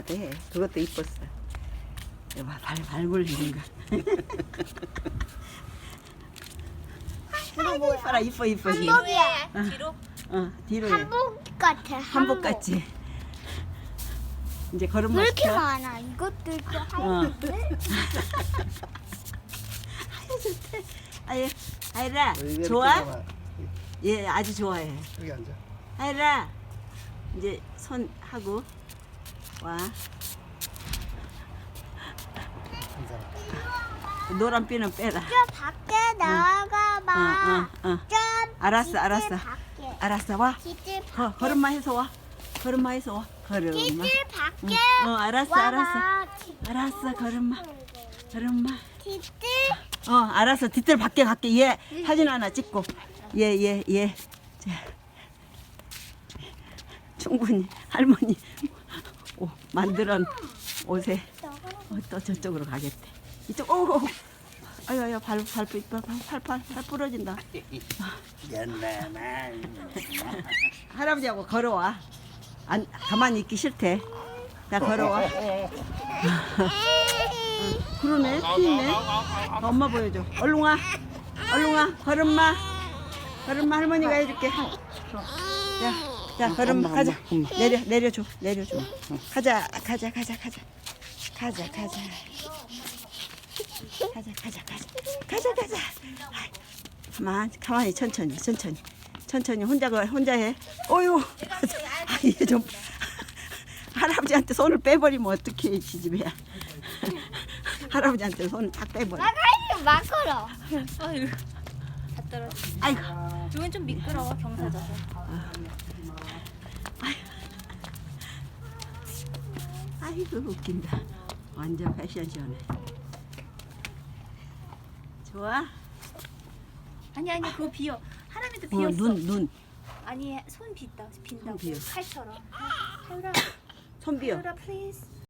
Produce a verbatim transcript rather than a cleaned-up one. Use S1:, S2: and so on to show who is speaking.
S1: 네, 그것도 이뻤어. 봐, 발, 발 굴리는 거.
S2: 이거 뭐야?
S1: 이뻐라, 이뻐, 이뻐. 지금.
S2: 한복이야.
S3: 뒤로?
S1: 어, 뒤로 해.
S2: 한복 같아.
S1: 한복 같지? 이제 걸음마
S2: 왜 이렇게
S1: 시켜.
S2: 많아? 이것도 있고
S1: 어.
S2: 하얀데.
S1: 아유, 좋대. 아유, 아이라,
S4: 이거
S1: 좋아?
S4: 이렇게 봐봐.
S1: 예, 아주 좋아해.
S4: 여기 앉아.
S1: 아이라, 이제 손 하고 와.
S4: 한 사람.
S1: 노란 삐는 빼라.
S2: 저 밖에 나가봐.
S1: 어, 어, 어.
S2: 좀
S1: 알았어,
S2: 뒤뜰
S1: 알았어.
S2: 밖에.
S1: 알았어, 와.
S2: 뒤뜰
S1: 거,
S2: 밖에.
S1: 걸음마 해서 와. 걸음마 해서 와. 걸음마.
S2: 뒤뜰 밖에.
S1: 응, 어, 알았어,
S2: 와봐.
S1: 알았어. 알았어, 걸음마. 걸음마.
S2: 뒤뜰.
S1: 어, 알았어. 뒤뜰 밖에 갈게. 얘 사진 하나 찍고. 얘, 얘, 얘. 자. 충분히 할머니 오, 만들어 옷에 어, 또 저쪽으로 가겠대. 이쪽, 오, 오. 아유, 아유, 발, 발, 발, 발, 발, 발, 발 부러진다.
S4: 연나나.
S1: 할아버지하고 걸어와. 안, 가만히 있기 싫대. 나 걸어와. 그러네, 힘있네. 엄마 보여줘. 얼른 와. 얼른 와. 걸음마. 걸음마 할머니가 해줄게. 자, 자, 걸음마
S4: 엄마,
S1: 가자.
S4: 엄마,
S1: 내려, 내려줘. 내려줘. 가자, 가자, 가자, 가자. 가자, 가자. 가자, 가자, 가자. 가자, 가자. 아이, 가만, 가만히 천천히, 천천히. 천천히 혼자 걸, 혼자 해. 어유. 아, 얘 좀. 할아버지한테 손을 빼버리면 어떡해, 지집애야. 할아버지한테 손을 탁 빼버려.
S2: 나가지 마 걸어.
S3: 아유, 다 떨어져.
S1: 아이고.
S3: 이건 좀 미끄러워, 경사져서.
S1: 아이고, 웃긴다. 완전 패션 시원해. 좋아?
S3: 아니, 아니, 그거 비어. 하람이도
S1: 어,
S3: 비었어.
S1: 눈, 눈.
S3: 아니, 손 빈다, 빈다고.
S1: 손 비어.
S3: 칼처럼. 하율아,
S1: 손 비어.
S3: 하율아, 플리즈.